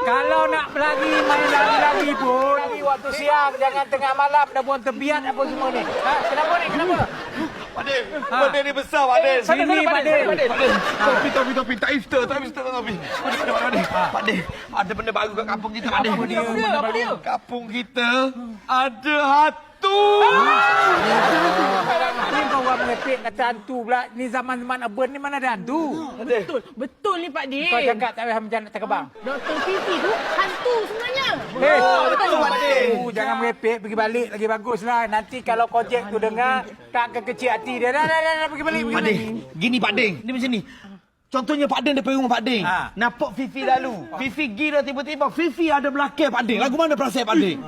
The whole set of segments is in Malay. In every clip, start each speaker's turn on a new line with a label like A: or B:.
A: Kalau nak berlari, main lari-lari pun. Lari waktu siang, jangan tengah malam. Dah buang tebiat apa semua ni. Ha? Kenapa ni? Kenapa?
B: Pakde, benda ni besar, Pakde.
A: Sini, Pakde.
B: Topi. Tak iftar, Topi. Pakde, ada benda baru kat kampung kita, Pakde.
A: Apa dia?
B: Kampung kita ada hantu.
A: Ni kau orang merepek kata hantu pula. Ni zaman-zaman urban ni mana ada hantu?
C: Betul ni Pak Din.
A: Kau cakap tak payah macam nak terkebang.
C: Dr. Fifi tu hantu sebenarnya.
A: Betul, Pakde. Jangan merepek, pergi balik lagi baguslah. Nanti kalau Kojek tu dengar, tak akan kecil hati dia. Dah, pergi balik.
B: Pakde, gini Pakde. Ni macam ni. Contohnya Pak Din daripada rumah Pak Din. Nampak Fifi lalu. Fifi gira tiba-tiba. Fifi ada belakang Pak Din. Lagu mana perasaan Pak Din?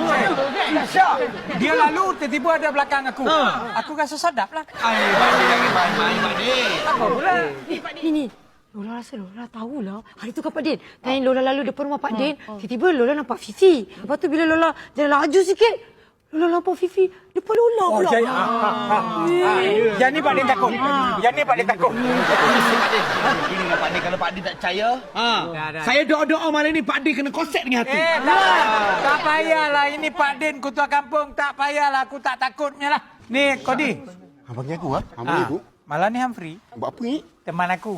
A: Dia lalu, tiba-tiba ada belakang aku. Aku rasa sedap lah.
B: Pak Din jangan main-main Pak Din.
A: Apa pula?
C: Ini. Lola rasa Lola tahulah. Hari tu kan Pak Din. Time Lola lalu depan rumah Pak Din. Tiba-tiba Lola nampak Fifi. Lepas tu bila Lola jalan laju sikit. Lola nampak Fifi. Depan Lola pula.
A: Yang ni Pak Din takut. Yang ni Pak Din takut.
B: Inilah Pak Din. Kalau Pak Din tak percaya. Saya doa-doa malam ni Pak Din kena konsep dengan hati.
A: Tak payahlah. Ini Pak Din, ketua kampung. Tak payahlah. Aku tak takutnya lah. Ni, Kodi.
D: Abang panggil aku, Abang panggil aku.
A: Malam ni Humphrey.
D: Buat apa ni?
A: Teman aku.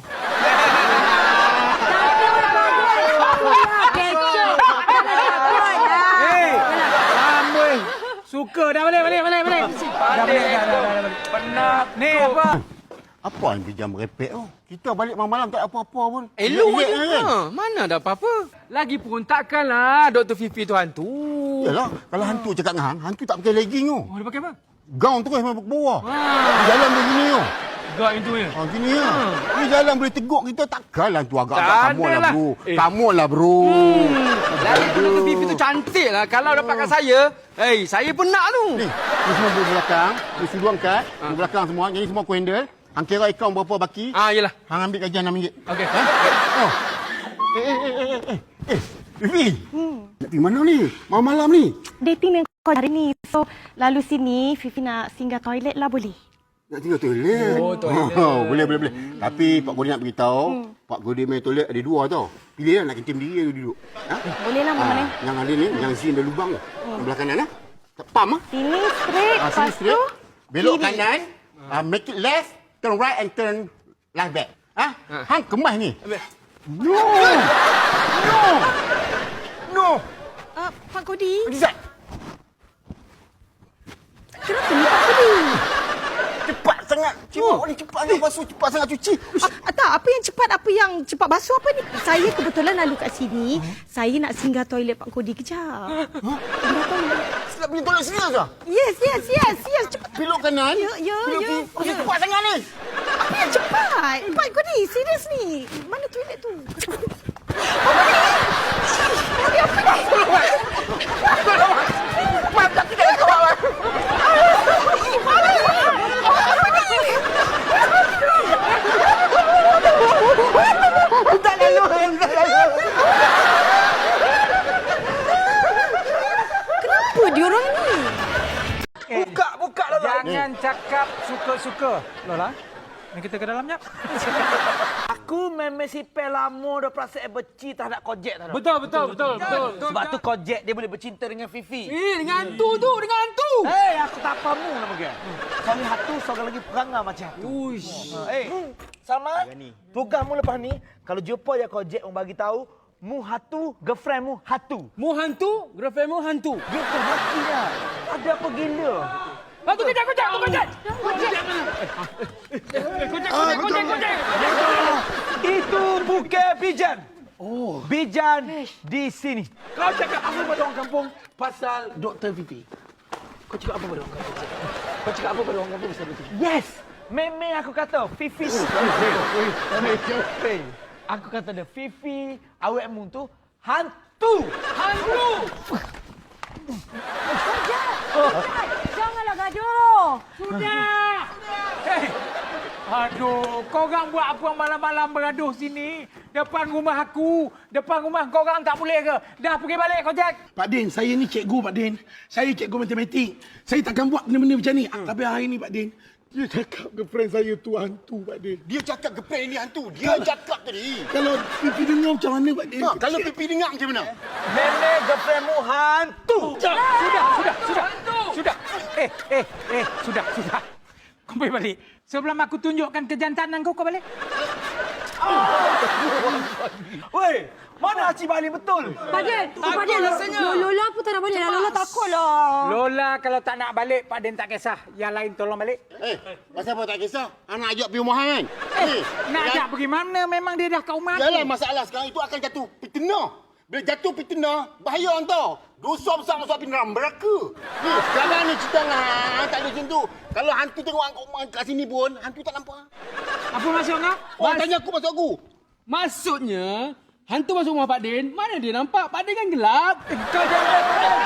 A: Amboi. Suka dah balik. Dah balik. Penat. Ni apa?
D: Apa yang dia merepek tu? Kita balik malam-malam tak ada apa-apa pun.
E: Elok
D: Elok
E: je.
D: kan?
E: Mana ada apa-apa. Lagipun takkanlah Dr. Fifi tu hantu.
D: Yalah, kalau hantu cakap dengan hang, hantu tak pakai legging tu.
A: Oh, dia pakai apa?
D: Gaun terus memang ke bawah. Jalan begini tu.
E: Gak itu ya.
D: Gini ya. Ni jalan boleh teguk kita, takkanlah tu agak-agak
E: Tak
D: kamu lah
E: adalah.
D: bro. Kamu lah bro.
E: Lagipun Dr. Fifi tu cantik lah. Kalau dapatkan saya, saya pun nak tu.
D: Ni semua di belakang, ni sudu angkat, di belakang semua, jadi semua aku handle. Hang kira akaun berapa baki,
E: Yelah.
D: hang ambil gajian RM6.
E: Okey.
D: Oh. Fifi. Nak pergi mana ni? Malam-malam ni.
F: Dating dengan kau hari ni. So, lalu sini, Fifi nak singgah toilet lah boleh?
D: Nak tinggal toilet.
E: Oh, toilet.
D: Boleh. Tapi Pak Godi nak beritahu, Pak Godi main toilet ada dua tau. Pilih lah nak kentim diri atau duduk.
F: Boleh lah, Mama.
D: Yang ada ni, yang sini ada lubang tu. Yang belah kanan lah. Pam lah.
F: Sini straight,
D: Sini
F: lepas tu
D: straight. Belok
F: kiri.
D: kanan. Make it left, turn right and turn left back. Hang kemas ni. No.
F: Pak Kodi,
D: Rizat.
F: kenapa ni Pak Kodi?
D: Cepat sangat. Cibuk ni cepat sangat basuh, cepat sangat cuci.
F: Tak, apa yang cepat basuh apa ni? Saya kebetulan lalu kat sini. Saya nak singgah toilet Pak Kodi kejap. Singgah toilet.
D: Nak pergi toilet sini lah.
F: Yes. Cepat.
D: Belok kanan.
F: Ya.
D: Cepat sangat ni.
F: Apa yang cepat? Pak Kodi, serius ni. Mana toilet tu? Pak Kodi! Kodi, apa ni?
D: Mantap tidak kawan. Tak lalu.
F: Kenapa dia orang ni?
A: Buka Lola. Jangan cakap suka-suka. Lola, ni kita ke dalam jap.
B: Aku memang sipel lama dah perasaan benci terhadap Kojek tak.
A: Betul.
B: Sebab tu Kojek dia boleh bercinta dengan Fifi.
E: Dengan hantu tu, dengan hantu.
B: Aku tak pamu nama dia. Suami hantu seorang lagi perangai macam hantu. Salma, tugasmu lepas ni, kalau jumpa je Kojek orang bagi tahu, mu hantu, girlfriend mu hantu.
E: Mu hantu, girlfriend mu hantu.
B: Gitu makinya. Ada apa gila?
E: Hantu kejap. Kojek.
B: Itu bukan Bijan. Bijan di sini.
E: Kau cakap apa pada orang kampung pasal Dr. Fifi? Kau cakap apa pada orang kampung pasal Dr. Fifi?
B: Yes. Memang aku kata Fifi. Aku kata dia Fifi awakmu tu hantu.
F: Janganlah gaduh.
A: Sudah. Aduh, korang buat apa malam-malam bergaduh sini? Depan rumah aku, depan rumah korang tak boleh ke? Dah pergi balik Kojek.
G: Pak Din, saya ni cikgu Pak Din. Saya cikgu matematik. Saya takkan buat benda-benda macam ni. Tapi hari ni Pak Din, Dia cakap girlfriend saya tu hantu, Pak Din.
D: Dia cakap girlfriend ni hantu. Dia cakap tadi.
G: Kalau pipi dengar macam mana, Pak Din?
D: Kalau pipi dengar macam mana?
B: Nenek girlfriendmu hantu.
A: Sudah. Sudah. Kau boleh balik. Sebelum aku tunjukkan kejantanan kau balik.
B: Weh, mana Haji balik betul?
C: Pak Din, Lola pun tak nak balik. Lola takutlah.
A: Lola kalau tak nak balik, Pak Din tak kisah. Yang lain tolong balik.
D: Pasal apa tak kisah? Anak ajak pergi rumah kan?
A: Nak ajak pergi mana? Memang dia dah kat rumah.
D: Yalah, masalah sekarang itu akan jatuh fitnah. Bila jatuh fitnah, bahaya tau. Dosa besar masuk api neraka. Ni, sekarang ni cerita tak ada macam tu. Kalau hantu tengok kat sini pun, hantu tak nampak.
A: Apa maksud kau?
D: Orang tanya aku masuk aku.
E: Maksudnya, hantu masuk rumah Pak Din, mana dia nampak? Pak Din kan gelap.
A: Kau jangan.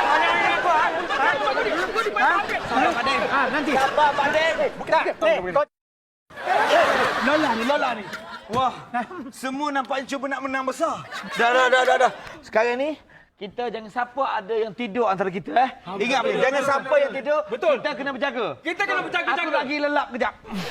A: Nanti.
B: Sabar, Pak Din. Lola ni. Wah, semua nampaknya cuba nak menang besar. Dah. Sekarang ni, kita jangan siapa ada yang tidur antara kita, Ingat, jangan siapa yang tidur.
E: Betul.
B: Kita kena berjaga.
E: Kita kena berjaga.
B: Aku lagi lelap kejap.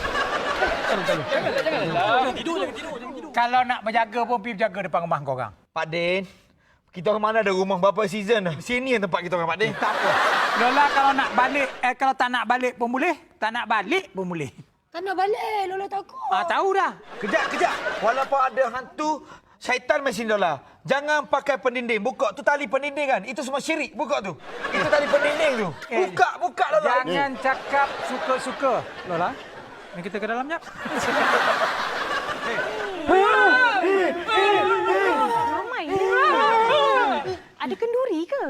E: Jangan tidur.
A: Kalau nak berjaga pun pergi berjaga depan rumah kau orang.
B: Pak Din, kita orang mana ada rumah berapa season dah. Sini yang tempat kita orang, Pak Din.
A: Tak apa. Lola kalau nak balik, kalau tak nak balik pun boleh. Tak nak balik pun boleh.
C: Tak nak balik. Lola takut.
A: Tahu dah.
B: Kejap. Walaupun ada hantu, syaitan mesin Lola. Jangan pakai pendinding. Buka tu tali pendinding kan. Itu semua syirik. Buka tu. Itu tali pendinding tu. Buka Lola.
A: Jangan cakap suka-suka. Lola, ni kita ke dalam jap.
F: Ramai. Ada kenduri ke?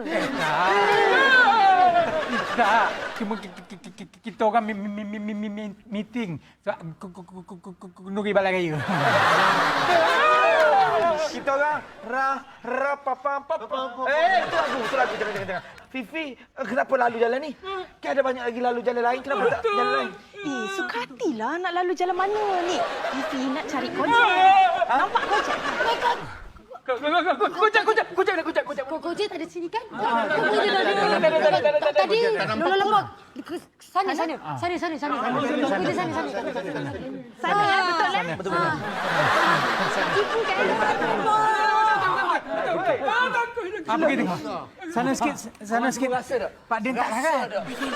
A: Tak. Cuma kita orang meeting. Nuri Balai Raya.
B: Kita orang pam. Itu lagu. Jangan. Fifi, kenapa lalu jalan ni? Kan ada banyak lagi lalu jalan lain. Kenapa tak jalan lain?
F: Suka hatilah nak lalu jalan mana ni. Fifi nak cari Kojek. Nampak Kojek?
C: Kojek tak ada sini kan? Tadi Lola lembak. Sana. Kojek sana.
F: Sana, betul lah.
C: Betul.
F: Tipu kan?
A: Apa kita? Sana sikit. Pak Din tak kan?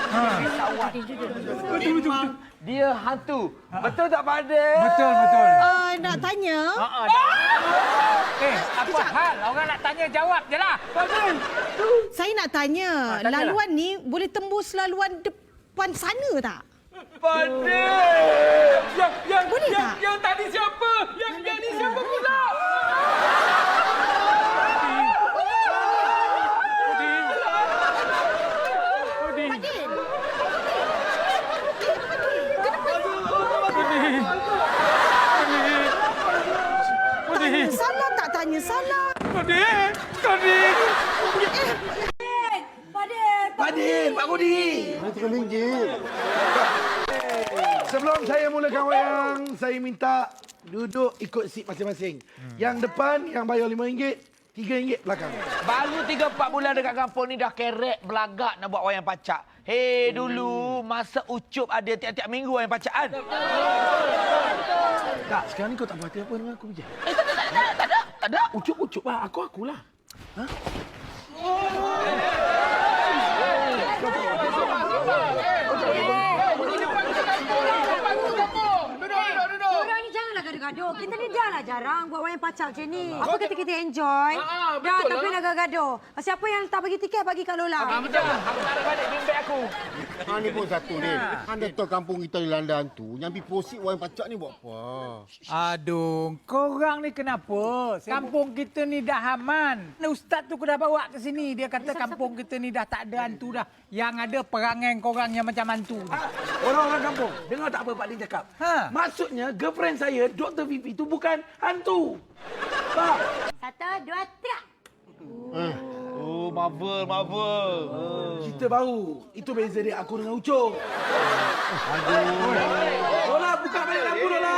B: Betul. Dia hantu. Betul tak, Pak Din?
A: Betul.
F: Nak tanya.
A: Apa hal? Orang nak tanya, jawab je lah.
F: Saya nak tanya. Laluan ni boleh tembus laluan depan sana tak?
B: Pak Din!
F: Boleh tak?
E: Yang tadi siapa? Yang ni siapa pula?
F: Salah tak tanya salah.
A: Kodin.
G: Pak Din, Pak Budi.
D: RM1 ringgit.
G: Sebelum saya mulakan wayang, saya minta duduk ikut seat masing-masing. Yang depan yang bayar RM5, RM3 belakang.
B: Baru 3-4 bulan dekat kampung ni dah kerek belagak nak buat wayang pacak. Hei, dulu masa Ucup ada tiap-tiap minggu wayang pacak kan?
G: Tak, sekarang ni kau tak berhati apa dengan aku je.
B: Tak ada.
G: Ucup lah, akulah.
C: Orang ni janganlah gaduh-gaduh. Kita ni dah lah jarang buat wayang pacak macam ni. Apa kata kita enjoy? Dah, tapi nak gaduh-gaduh. Siapa yang tak bagi tiket, bagi kat Lola.
B: Aku taruh balik bimbit aku.
D: Ni pun satu, Din. Anda tahu kampung kita di Landan tu, yang pergi prosit wayang pacak ni buat apa?
A: Aduh, korang ni kenapa? Kampung kita ni dah aman. Ustaz tu dah bawa ke sini. Dia kata kampung kita ni dah tak ada hantu dah. Yang ada perangai korang yang macam hantu.
E: Orang-orang kampung, dengar tak apa Pak Din cakap? Maksudnya, girlfriend saya, Dr. Vivi tu bukan hantu. Pak.
C: 1, 2, 3.
B: Oh, Marvel.
G: Kita baru. Itu beza dia aku dengan Ucup.
E: Lola, buka balik lampu, Lola.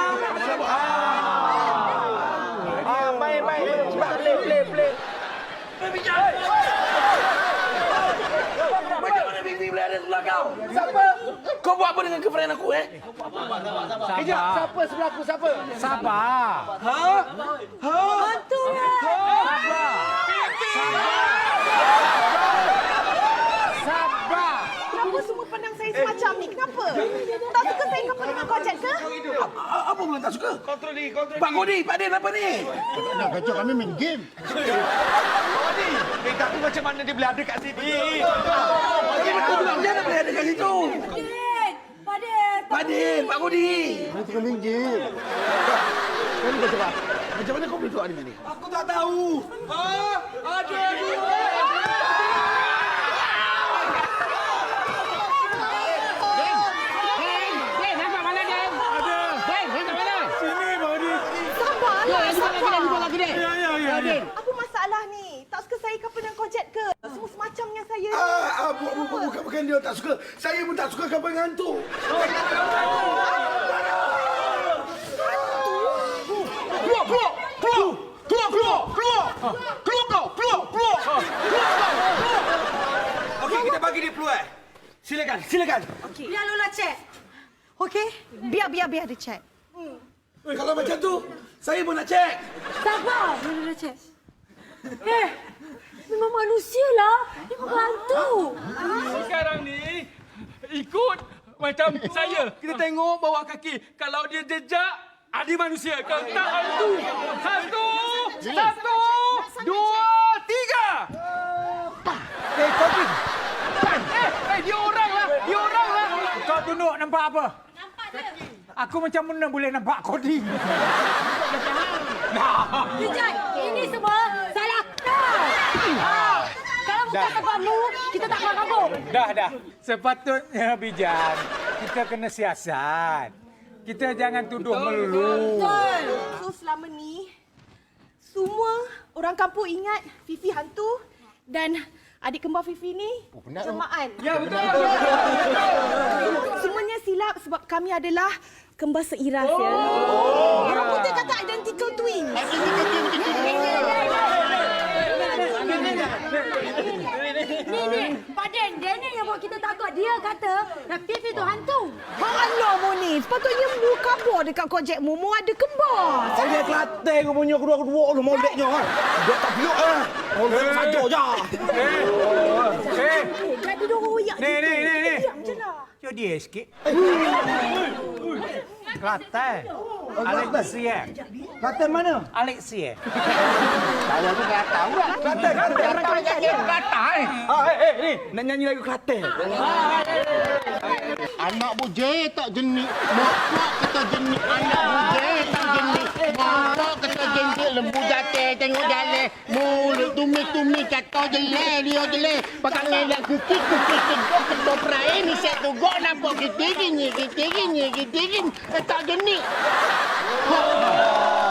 B: Main. Cepat play.
E: Macam mana Vivi boleh ada ada sebelah kau. Siapa? Kau buat apa dengan girlfriend aku,
B: Kejap, siapa sebelah aku, siapa?
A: Sabar.
C: Hantu lah.
A: Sabar.
F: Kenapa semua pandang saya semacam ni? Kenapa? Tak suka saya couple dengan kau Jack ke?
E: Apa pula tak suka?
B: Kontrol diri.
E: Pak Kodi, Pak Din, apa ni?
D: Nak kacau kami main game.
B: Tapi macam mana dia boleh ada kat sini?
E: Betul juga, dia nak boleh ada kat situ. Pak Din, Pak Kodi.
D: Kami tengah main game.
E: Kau ni cakap, macam mana kau boleh keluar dari sini? Aku tak tahu. Ada
F: Apa masalah ni? Tak suka saya couple dengan kau Jack ke? Semua semacam dengan saya ni.
G: Bukan dia tak suka. Saya pun tak suka kapal dengan hantu.
E: Okey, kita bagi dia peluang. Silakan.
C: Biar Lola check.
F: Okey? Biar dia check.
E: Kalau macam tu, saya pun nak cek.
C: Sabar. Biar Lola check. Memang manusia lah. Dia bukan hantu.
H: Sekarang ni ikut macam saya. Kita tengok bawah kaki. Kalau dia jejak, ada manusia. Kalau tak hantu. Satu, dua, tiga.
A: Kodi.
H: Dia orang lah.
A: Kau tunduk nampak apa? Nampak dia. Aku macam mana boleh nampak Kodi?
C: Jejak, ini semua salah kau. Kalau bukan sebabmu, kita tak keluar kampung.
A: Dah. Sepatutnya Bijan, kita kena siasat. Kita jangan tuduh melulu.
F: So selama ni, semua orang kampung ingat Fifi hantu dan adik kembar Fifi ni jelmaan.
H: Ya, betul.
F: Semuanya silap sebab kami adalah kembar seiras ya. Orang putih kata identical twins.
C: Ni, Pak Den, dia ni yang buat kita takut. Dia kata Fifi tu hantu.
F: Allah Moni, sepatutnya mu kabur dekat kau Jack mu ada kembar.
B: Kau dia Kelantan kau punya kedua-kedua lu moleknya kan. Dia tak peluk ah. Oh, saja je.
F: Jadi dia royak.
A: Ni.
F: Diam je lah.
A: Jom dia sikit. Kelantan. Alexia.
B: Kelantan mana?
A: Alexia.
B: Ni nak nyanyi lagu Kelantan.
D: Anak buje tak jenik. Mak kata jenik. Anak buje tak jenik. Mak kata jenik. Lembu jatuh tengok jalan. Mulut tumi kata jelek. Dia jelek. Pakai ngelak kukik. Ketua perai ni set tu. Gok nampak kita gini. Tak jenik.